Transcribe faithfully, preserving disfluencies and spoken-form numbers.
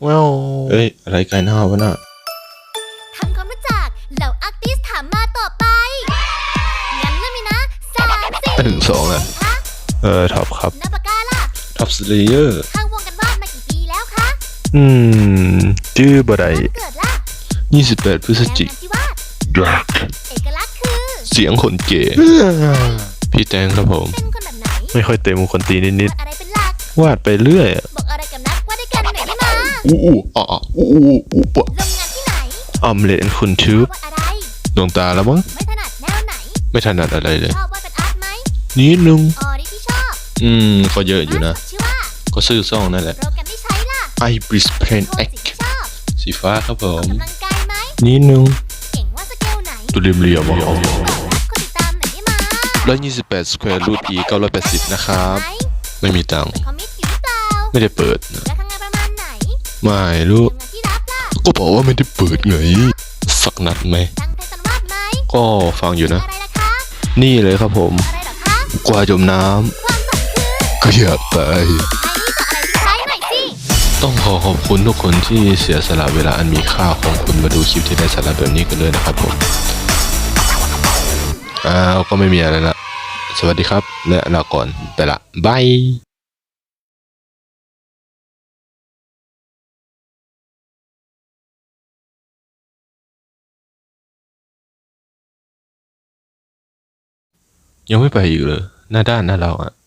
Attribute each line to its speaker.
Speaker 1: ว้าวเอ้ยอะไรไกลหน้าวะน่ะ
Speaker 2: ทำความรู้จักเหล่าอาร์ติสถามมาต่อไปงั้นเริ่มเลยนะสามสี่
Speaker 1: หนึ่งสองอ่ะเออท็อปครับ
Speaker 2: นับปากกาล่ะ
Speaker 1: ท็อปสเลเยอร์
Speaker 2: เข้าวงกันวาดมากี่ปีแล้วคะ
Speaker 1: อืมชื่อบ่ได้
Speaker 2: เกิดล่ะ
Speaker 1: ยี่สิบแปดพฤศจิกายน
Speaker 2: เอกลักษณ์คือ
Speaker 1: เสียงคนเก๋พี่แตงครับผม
Speaker 2: เป็นคนแบบไหน
Speaker 1: ไม่ค่อยเต็มคนตีนิด
Speaker 2: อะไรเป็นหลัก
Speaker 1: ๆวาดไปเรื่อย
Speaker 2: บอกอะไรกับนักว่าได้กันไหนได้มา
Speaker 1: อู้อู้อ๋ออู้อู้อู้ปะ
Speaker 2: ลงงานที่ไหน
Speaker 1: ออมเล็ตคุณทูบ
Speaker 2: วาดอะไร
Speaker 1: ดวงตาแล้วมั้ง
Speaker 2: ไม่ถนัดแนวไหน
Speaker 1: ไม่ถนัดอะไรเลย
Speaker 2: ชอบวาดเป็นอาร์ตไหม
Speaker 1: นิดนึง
Speaker 2: อ๋อนี่ที่ชอบ
Speaker 1: อืมก็เยอะอยู่นะ
Speaker 2: ชื่อว่า
Speaker 1: ก็ซื้อซ่องนั่นแหละ
Speaker 2: โปรแกรมที่ใช้ล่ะ
Speaker 1: ไอ บริส เพลน
Speaker 2: โทน
Speaker 1: เอ็ก
Speaker 2: สีที่ชอบ
Speaker 1: สีฟ้าครับผม
Speaker 2: ออกกำลังกายไหม
Speaker 1: นิดนึง
Speaker 2: เก่งว่าสเกลไหน
Speaker 1: ตัวเรียมเรียม
Speaker 2: ก่อนรักคนติดตามไหนได้มา
Speaker 1: ร้อยยี่สิบแปดสแควร์รูทอีเก้าร้อยแปดสิบนะครับไม่มีตังค์
Speaker 2: คอมมิตอยู่หรือเปล่า
Speaker 1: ไม่ได้เปิด
Speaker 2: แล้วทำงานประมาณไหน
Speaker 1: ไม่รู้
Speaker 2: งานที่รับล่ะ
Speaker 1: ก็บอกว่าไม่ได้เปิดไงสักนัดไหม
Speaker 2: ตั้งใจสันวาดไหม
Speaker 1: ก็ฟังอยู่นะ
Speaker 2: อะไรล่ะคะ
Speaker 1: นี่เลยครับผม
Speaker 2: อะไรหรอคะ
Speaker 1: กว่าจมน้
Speaker 2: ความฝันคือ
Speaker 1: ำก็อยากไป
Speaker 2: ไอ้นี่จะอะไรที่ใช้หน่อยสิ
Speaker 1: ต้องขอขอบคุณทุกคนที่เสียสละเวลาอันมีค่าของคุณมาดูคลิปที่ได้สาระแบบนี้กันเลยนะครับผมอ้าวก็ไม่มีอะไรละสวัสดีครับและลาก่อนไปละบายยังไม่ไปอีกเลยหน้าด้านหน้าเราอ่ะ